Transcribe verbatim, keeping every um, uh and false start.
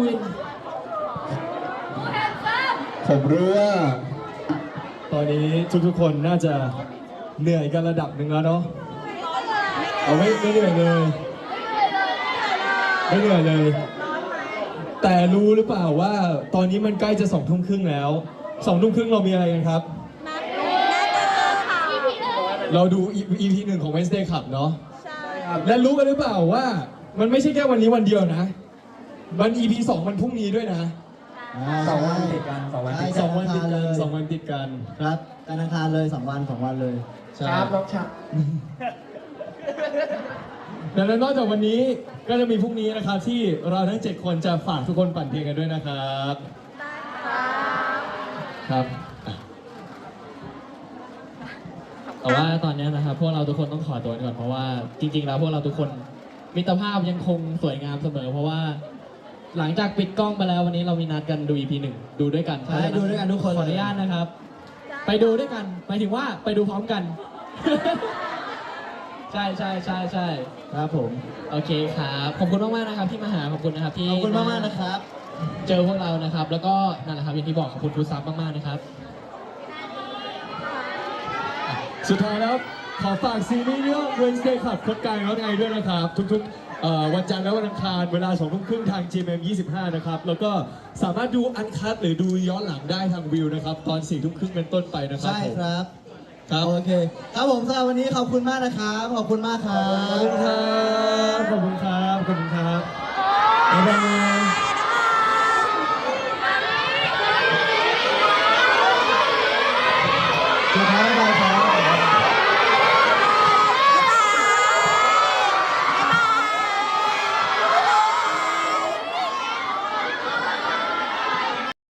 วินผมรู้ว่าตอนนี้ทุกๆคนน่าจะเหนื่อยกันระดับหนึ่งแล้วเนาะเอาไม่ไม่เหนื่อยเลยไม่เหนื่อยเลย แต่รู้หรือเปล่าว่าตอนนี้มันใกล้จะสองทุ่มครึ่งแล้วสองทุ่มครึ่งเรามีอะไรกันครับ เราดู อี พี หนึ่งของ Wednesday Club เนาะและรู้กันหรือเปล่าว่ามันไม่ใช่แค่วันนี้วันเดียวนะมัน อี พี สองมันพรุ่งนี้ด้วยนะสองวันติดกันสองวันติดสองวันติดกันสองวันติดกันครับการอังคารเลยสองวันสองวันเลยครับน้องชับดังนั้นนอกจากวันนี้ก็จะมีพรุ่งนี้นะครับที่เราทั้งเจ็ดคนจะฝากทุกคนปั่นเพลงกันด้วยนะครับครับแต่ว่าตอนนี้นะครับพวกเราทุกคนต้องขอตัวก่อนเพราะว่าจริงๆแล้วพวกเราทุกคนมิตรภาพยังคงสวยงามเสมอเพราะว่าหลังจากปิดกล้องไปแล้ววันนี้เรามีนัดกันดู อี พี หนึ่งดูด้วยกันใช่ดูด้วยกันทุกคนขออนุญาตนะครับ ไปดูด้วยกันหมายถึงว่าไปดูพร้อมกัน ใช่ใช่ใช่ใช่ครับผมโอเคครับขอบคุณมากๆนะครับที่มาหาขอบคุณนะครับที่ขอบคุณมากมากๆนะครับเจอพวกเรานะครับ แล้วก็นั่นแหละครับอย่างที่บอกขอบคุณฟูดซับมากๆนะครับสุดท้ายแล้วขอฝากซีรีส์เรื่อง Wednesday Club คดกายร้อนไอด้วยนะครับ ทุกๆเอ่อวันจันทร์และวันอังคารเวลาสองทุ่มครึ่งทาง จี เอ็ม เอ็ม ยี่สิบห้า นะครับ แล้วก็สามารถดูอันคัทหรือดูย้อนหลังได้ทางวิวนะครับ ตอนสี่ทุ่มครึ่งเป็นต้นไปนะครับใช่ผมครับครับโอเคครับผมสำหรับวันนี้ขอบคุณมากนะครับขอบคุณมากครัขอบคุณครับ บขอบคุณครับขอบคุณครับ